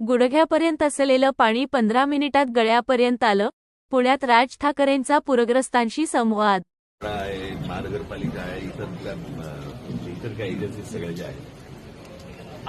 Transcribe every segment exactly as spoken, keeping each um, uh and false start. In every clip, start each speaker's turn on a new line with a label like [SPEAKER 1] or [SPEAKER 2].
[SPEAKER 1] गुडघ्यापर्यंत असलेलं पाणी पंधरा मिनिटात गळ्यापर्यंत आलं. पुण्यात राज ठाकरेंचा पूरग्रस्तांशी संवाद.
[SPEAKER 2] आहे, महानगरपालिका आहे, इतर इतर काही एजन्सी सगळ्या ज्या आहेत,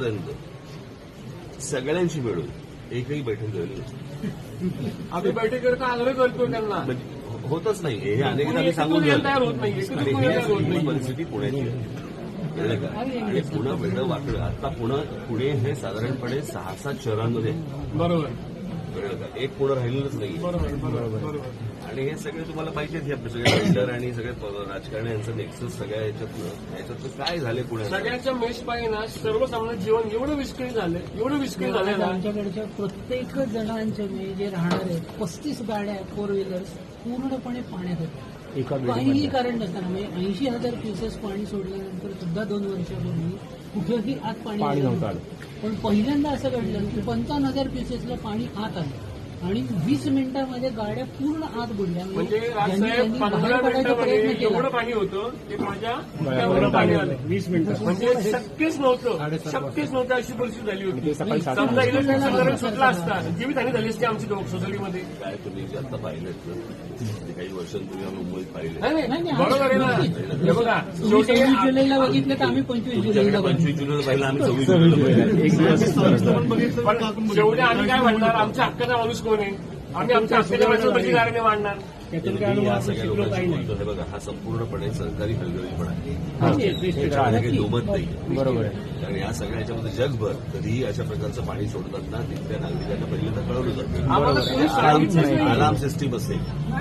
[SPEAKER 2] आजपर्यंत सगळ्यांशी मिळून एकही बैठक झाली नाही.
[SPEAKER 3] आम्ही बैठकीकरता आग्रह करतो त्यांना,
[SPEAKER 2] म्हणजे होतच नाही. हे अनेकदा आम्ही सांगून झालं आणि ही परिस्थिती पुण्याची आहे. कळलं का? आणि पुणे वेगळं वाकडं. आता पुणे पुणे हे साधारणपणे सहा सात शहरांमध्ये
[SPEAKER 3] बरोबर
[SPEAKER 2] कळलं का? एक पुणे राहिलेलंच नाही.
[SPEAKER 3] बरोबर बरोबर.
[SPEAKER 2] आणि हे सगळे तुम्हाला पाहिजेत. हे आपले सगळे बिल्डर आणि सगळे राजकारणी यांचं नेक्सस सगळ्या याच्यातनं याच्यातनं काय झाले पुण्यात
[SPEAKER 3] सगळ्यांच्या मेष पायी ना सर्वसामान्य जीवन एवढं विस्कळीत झालं, एवढं विस्कळीत झालं ना.
[SPEAKER 4] आमच्याकडच्या प्रत्येक जणांचे म्हणजे जे राहणार आहेत पस्तीस गाड्या फोर व्हीलर्स पूर्णपणे पाण्यात होत्या. काहीही कारण नसताना म्हणजे ऐंशी हजार क्युसेस पाणी सोडल्यानंतर सुद्धा दोन वर्षापूर्वी कुठेही आत पाणी नव्हतं. पण पहिल्यांदा असं घडलं की पंचावन्न हजार क्युसेसला पाणी आत आलं आणि वीस मिनिटांमध्ये गाड्या पूर्ण आत बुडल्या.
[SPEAKER 3] म्हणजे राजसाहेब पंधरा मिनिटांमध्ये एवढं पाणी होतं ते माझ्या डोक्यावर पाणी आलं. वीस मिनिटं म्हणजे शक्यच नव्हतं, शक्यच नव्हतं अशी परिस्थिती झाली होती. समजा इलेक्ट्रिक संदर्भ सुटला असता जीवितहानी झाली असती आमची सोसायटीमध्ये.
[SPEAKER 2] काय तुम्ही जे आता पाहिलेत ते काही वर्षांपूर्वी आम्ही मुंबईत पाहिले.
[SPEAKER 3] बरोबर आहे ना. हे बघा,
[SPEAKER 4] सव्वीस जुलैला बघितलं तर आम्ही पंचवीस जुलैला
[SPEAKER 2] पंचवीस जुलैला पाहिलं, आम्ही सव्वीस जुलैला
[SPEAKER 3] पण शेवटी आम्ही काय म्हणणार, आमच्या हक्काचा माणूस कोण आहे? आम्ही आमच्या हक्काच्या माणसाला बळीदाराने मांडणार.
[SPEAKER 2] या सगळ्या लोकांशी बोलतो. हे बघा, हा संपूर्णपणे सरकारी हलगर्जीपणा आहे. त्याच्यामध्ये काही दुमत नाही. बरोबर आहे. कारण या सगळ्या ह्याच्यामध्ये जगभर कधीही अशा प्रकारचं पाणी सोडतात ना, तिथल्या नागरिकांना पहिल्यांदा कळवलं जातं. अलार्म सिस्टीम असेल.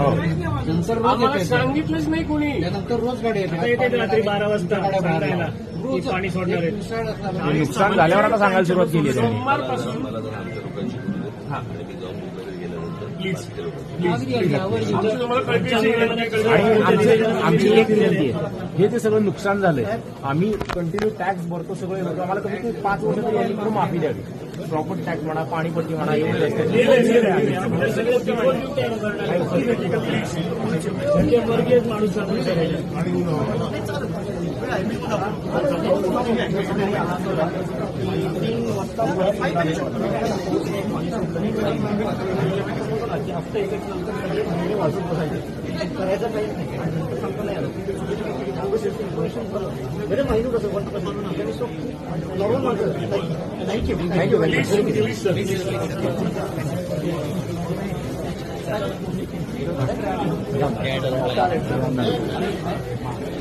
[SPEAKER 3] आम्हाला सांगितलंच नाही कोणी.
[SPEAKER 4] नंतर रोज गाडी
[SPEAKER 5] येते रात्री बारा वाजता पाणी सोडणार आहे.
[SPEAKER 6] नुकसान झाल्यावर आता सांगायला सुरुवात केली.
[SPEAKER 3] सोमवारपासून
[SPEAKER 2] मला जर आमच्या लोकांशी बोलले आणि मी जाऊन मुंबईला गेल्यानंतर बाकीच्या लोकांशी
[SPEAKER 6] आमची एक विनंती आहे, हे जे सगळं नुकसान झालंय, आम्ही कंटिन्यू टॅक्स भरतो, सगळे भरतो. आम्हाला कमीत कमी पाच वर्ष तरी यांनी करून माफी द्यावी. प्रॉपर्टी टॅक्स म्हणा, पाणीपट्टी म्हणा,
[SPEAKER 5] वर्गीय माणूस
[SPEAKER 4] करायचं काही थँक्यू.